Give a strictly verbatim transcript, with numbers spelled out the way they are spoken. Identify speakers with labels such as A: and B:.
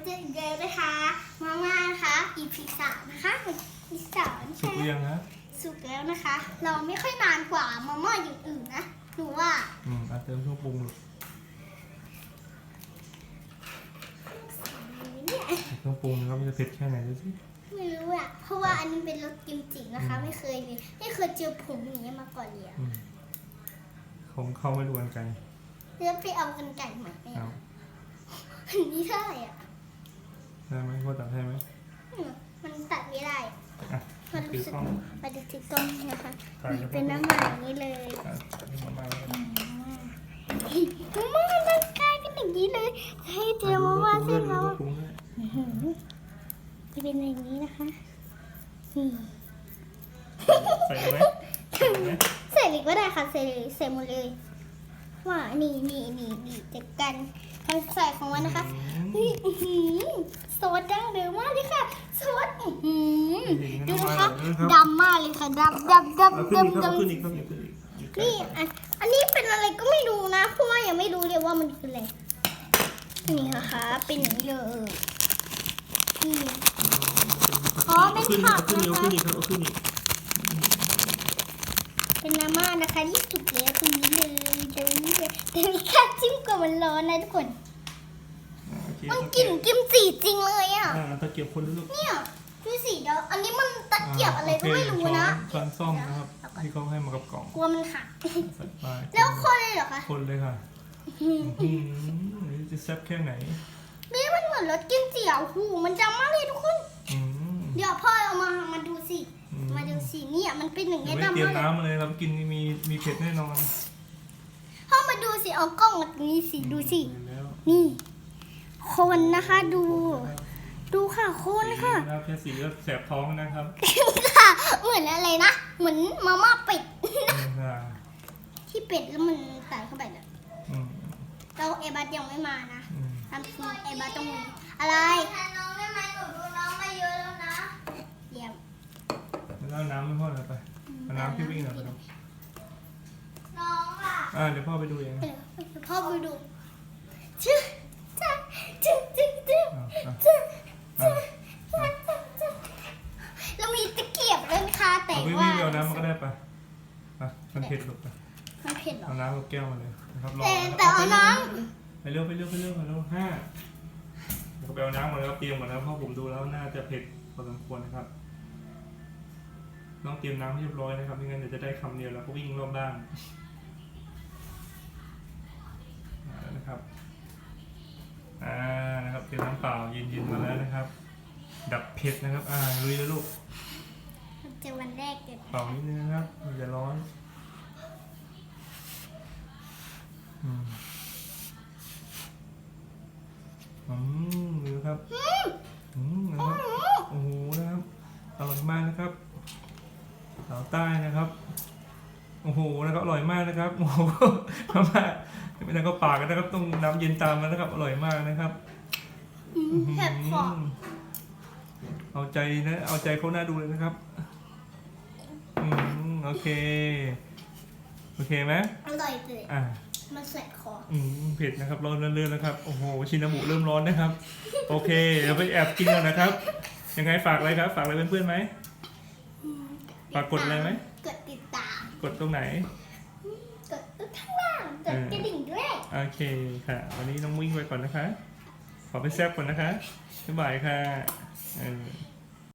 A: จออีกแล้วนะคะมาม่านะคะอีพีสามนะคะอีพีสาม
B: สุกหรือยังฮะ
A: สุกแล้วนะคะ เราไม่ค่อยนานกว่ามาม่าอย่างอื่นนะหนูว่า
B: อืมอาเติมเครื่องปรุงลูกเครื่องปรุงนะครับมันจะเผ็ดแค่ไหนดูสิ
A: ไม่รู้อะเพราะว่าอันนี้เป็นรสกิมจินะคะไม่เคยเลยไม่เคยเจอผงอย่างนี้มาก่อนเลย
B: ของเขาไม่รู้กันไกล
A: แล้วไปเอากันไก่ใหม่ไหมอ่ะอันนี้ได้อ่ะ
B: ได้ไหมพ่อตัดให้ไหม
A: มันตัดไม่ได้
B: มาดูสิ
A: มาดูที่กล้องนะคะเป็นน้ำมันอย่างนี้เลย
B: มาม่า
A: มาม่ามันกลายเป็นอย่างนี้เลยให้เจอมาม่าเส้นแล้วจะเป็นอย่างนี้นะคะ
B: ใส่ไหม
A: ใส่เลยก็ได้ค่ะใส่เลยใส่หมดเลยว่านี่นี่นี่นี่จัดกันทำใส่ของมันนะคะซอสดั้งเดิมมากเลยค่ะซอสดูนะคะดำมากเลยค่ะดำดำดำดำดำนี่อันนี้เป็นอะไรก็ไม่รู้นะเพราะว่ายังไม่รู้เลยว่ามันคืออะไรนี่นะคะเป็นอย่างนี้เลยนี่อ๋อเป็นผักนะคะเป็นมาม่านะคะที่สุกแล้วตรงนี้เลยตรงนี้เลยแต่มีค่าจิ้มกว่ามันร้อนนะทุกคนมันกลิ่นกิมจิจริงเลยอ่ะ
B: ตะเกียบคนลูก
A: เนี่ยดูสิเดี๋ยวอันนี้มันตะเกียบอะไรก็ไม่รู้นะ
B: ช้อนซ่อมนะครับที่เขาให้มากับกล่อง
A: กลัวมันหักแล้วคนเลยเหรอคะ
B: คนเลยค่ะจะแซ่บแค่ไหน
A: นี่มันเหมือนรสกิมจิอ่ะหูมันจำมากเลยทุกคนเดี๋ยวพ่อเอามามาดูสิมาดูสิเนี่ยมันเป็นอย่างเงี้ยดำมาก
B: เตรียมน้ำเลยครับกินมีมีเผ็ดแน่นอน
A: พ่อมาดูสิเอากล้องมาตรงนี้สิดูสินี่คนนะคะดูดูค่ะคนค่ะ
B: แค่สีก็แสบท้องนะครับ
A: ค่ะเหมือนอะไรนะเหมือนมาม่าเป็ดที่เป็ดแล้วมันใส่เข้าไปเนี่ยเราเอบัตยังไม่มานะทำทีเอบัตต้องมีอะไรน้องได้ไหมหนูดูน้องมาเยอะแล้วนะเยี่ยม
B: แล้วน้ำไม่พ่อเลยไปน้ำพี่วิ่งหน่อยไปดู
A: น้องล่ะ
B: อ่าเดี๋ยวพ่อไปดูเอง
A: พ่อไปดูชื่อจ้าจ้าจ้าจ้าจ้าจ้าเรามีตะเกียบด้วยค่ะแต่ว่า
B: เอาน้ำมันก็ได้ปะอ่ะมันเผ็ดหรอปะ
A: มันเผ็ดหรอ
B: เอาน้ำกับแก้วมาเลยนะครับรอ
A: แต่เอาน้ำ
B: ไปเร็วไปเร็วไปเร็วไปเร็วห้าเดี๋ยวไปเอาน้ำมาแล้วเตรียมหมดแล้วเพราะผมดูแล้วน่าจะเผ็ดพอสมควรนะครับต้องเตรียมน้ำให้เรียบร้อยนะครับไม่งั้นเดี๋ยวจะได้คำเดียวแล้วก็วิ่งรอบบ้านนะครับอ่านะครับเตรียมน้ำเปล่าเย็นๆมาแล้วนะครับดับเผ็ดนะครับอ่าลุยเลยลูก
A: เจอวันแรกเกิด
B: เป่านิดนึงนะครับมันจะร้อนอืมอืมดูครับอืมนะครับโอ้โหนะครับอร่อยมากนะครับสาวใต้นะครับโอ้โหนะครับอร่อยมากนะครับโอ้โหมาไม่ได้ก็ปากกันนะครับต้องน้ำเย็นตามมานะครับอร่อยมากนะครับ
A: แซ่บฟอง
B: เอาใจนะเอาใจเขาหน้าดูเลยนะครับอืมโอเคโอเคไหม
A: อร่อยเลย
B: อ่า
A: มันแสบคอ
B: อืมเผ็ดนะครับร้อนเรื่อยๆนะครับโอ้โหชินาบุเริ่มร้อนนะครับโอเคเดี๋ยวไปแอบกินกันนะครับยังไงฝากอะไรครับฝากอะไรเพื่อนๆไหมฝากกดอะไรไหม
A: กดติดตาม
B: กดตรงไหน
A: กดข้างล่างกดกระดิ่งด้วย
B: โอเคค่ะวันนี้น้องวิ่งไปก่อนนะคะขอไปแซ่บก่อนนะคะบ๊ายบายค่ะ